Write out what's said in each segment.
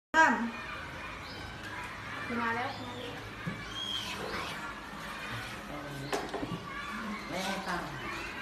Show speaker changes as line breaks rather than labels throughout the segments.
ตั้ม
มาแล้ว
ไม่ให้ตั้ง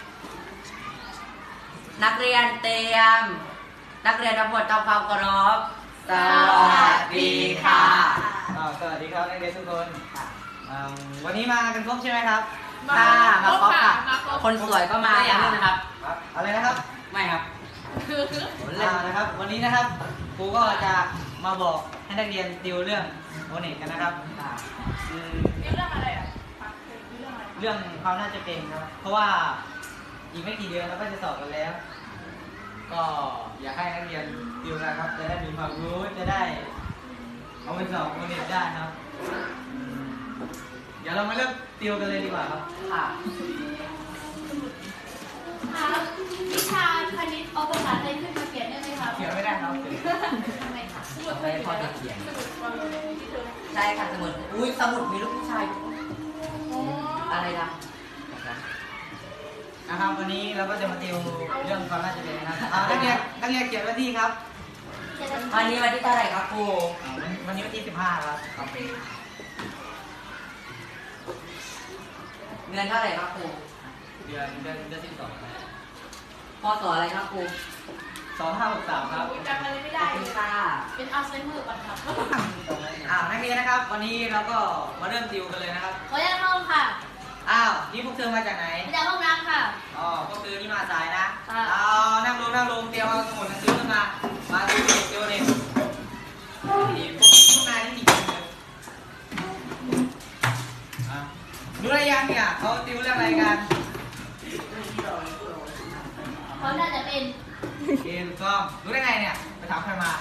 นักเรียนเตรียมนักเรียนทั้งหมดทำความเคารพสวัสดีค่ะ
สวัสดีครับนักเรียนทุกคนวันนี้มากันครบใช่ไหมครับ
ค่ะมาครบค่ะคนสวยก็มาแล้วนะครับ
อะไรนะครับ
ไม่ครับ
นะครับวันนี้นะครับครูก็จะมาบอกให้นักเรียนติวเรื่องโอเน็ตกันนะครับ
เรื่องอะไรอ่ะ
เรื่องความน่าจะเป็นครับเพราะว่าอีกไม่กี่เดือนเราก็จะสอบกันแล้ว ก็อยากให้นักเรียนติวนะครับจะได้มีความรู้จะได้เอาไปสอบโอเน็ตได้ครับเดี๋ยวเรามาเริ่มติวกันเลยดีกว่าครับ
ค่ะ
วิชาคณิตเอาภาษาไทยขึ้นมาเขียนได้ไหมคะ
เขียนไม่ได้ครับ
ทำไมคะสมุด
เอาไปพอจะเขียน
สมุดความรู้ที่เธอ
ใช่ค่ะสมุดอุ้ยสมุดมีลูกผู้ชายอะไรนะ
นะครับวันนี้เราก็จะมาติวเรื่องความน่าจะเป็นนะครับนักเรียนเขียนวันที่ครับ
วันนี้วันที่เท่าไหร่ครับครู
วันนี้วันที่15ครับ
เดือนเท่าไหร่ครับครู
เดือน12
พศอะไรครับครู
2563ครับ
จำอะไรไม่ได้เลย
ค่ะ
เป็นอัลไซเมอร์ก่อนครับ
นักเรียนนะครับวันนี้เราก็มาเริ่มติวกันเลยนะครับ
ขออนุญาตเข้าค่ะ
นี่พวกเธอมาจากไหน
มาจากห้องน้ำค่ะ
พวกเธอนี่มาสายนะนั่งลงเตรียมเอาสมุดหนังสือขึ้นมาติวเด็กพวกนายนี่มีกี่คนรู้อะไรยังเนี่ยเขาติวเรื่องอะไรกัน
เขาน่าจะเป็น
เกมซ้อมรู้ได้ไงเนี่ยไปถามใครมา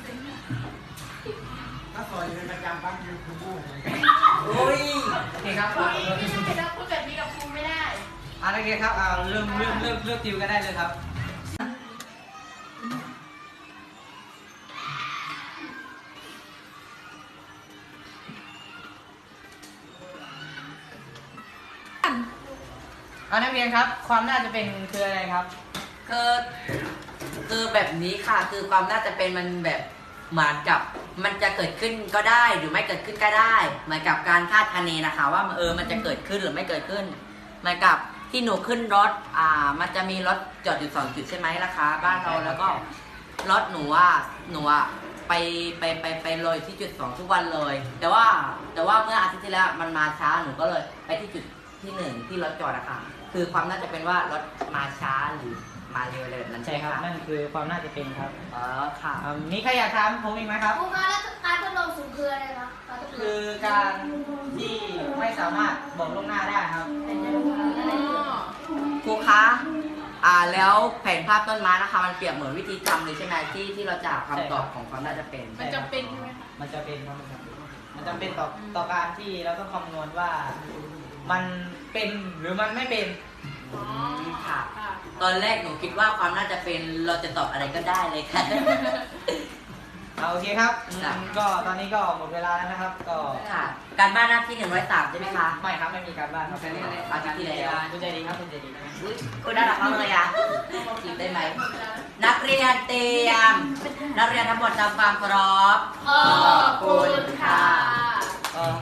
ก็สอนอยู่เป็นประจำบ้างคือครูบู้
โอ้ย
โอเคครับ
ไม่ได้นะพูดแบบนี้กับครูไม่ได้
นักเรียนครับเริ่มติวกันได้เลยครับนักเรียนครับความน่าจะเป็นคืออะไรครับ
คือแบบนี้ค่ะคือความน่าจะเป็นมันแบบเหมือนกับมันจะเกิดขึ้นก็ได้หรือไม่เกิดขึ้นก็ได้เหมือนกับการคาดคะเนนะคะว่ามันจะเกิดขึ้นหรือไม่เกิดขึ้นเหมือนกับที่หนูขึ้นรถมันจะมีรถจอดอยู่2 จุดใช่ไหมล่ะคะบ้านเราแล้วก็รถหนูไปเลยที่จุด2ทุกวันเลย แต่ว่าเมื่ออาทิตย์ที่แล้วมันมาช้าหนูก็เลยไปที่จุดที่1ที่รถจอดนะคะคือความน่าจะเป็นว่ารถมาช้าหรือมาเร็วเลยนั่น
ใช่ครับนั่นคือความน่าจะเป็นครับ
ค่ะ
มีใครอยากถามผมอีกไหมครับ
ครูคะแล้วการทดลองสูงคืออะไรคะ
คือการที่ไม่สามารถบอกล่วงหน้าได้ครับ
ครูคะแล้วแผนภาพต้นไม้นะคะมันเปรียบเหมือนวิธีทำเลยใช่ไหมที่เราจะคำตอบของความน่าจะเป็น
มันจำเป็นใช่ไหมคะ
มันจะเป็นครับมันจำเป็นต่อการที่เราต้องคำนวณว่ามันเป็นหรือมันไม่เป็น
ค่ะตอนแรกหนูคิดว่าความน่าจะเป็นเราจะตอบอะไรก็ได้เลยค่ะ
โอเคครับก็ตอนนี้ก็หมดเวลาแล้วนะครับก็
ค่ะการบ้านหน้าที่103ใช่ไหมคะ
ไม่ครับไม่มีการบ้านครับ
อาทิตย์ที่แล้ว
คุณใจดีครับคุณใจดี
คุณน่ารักมากเลยอ่ะจีบได้ไหมนักเรียนเตรียมนักเรียนทั้งหมดทำความเคารพ
ขอบคุณค่ะ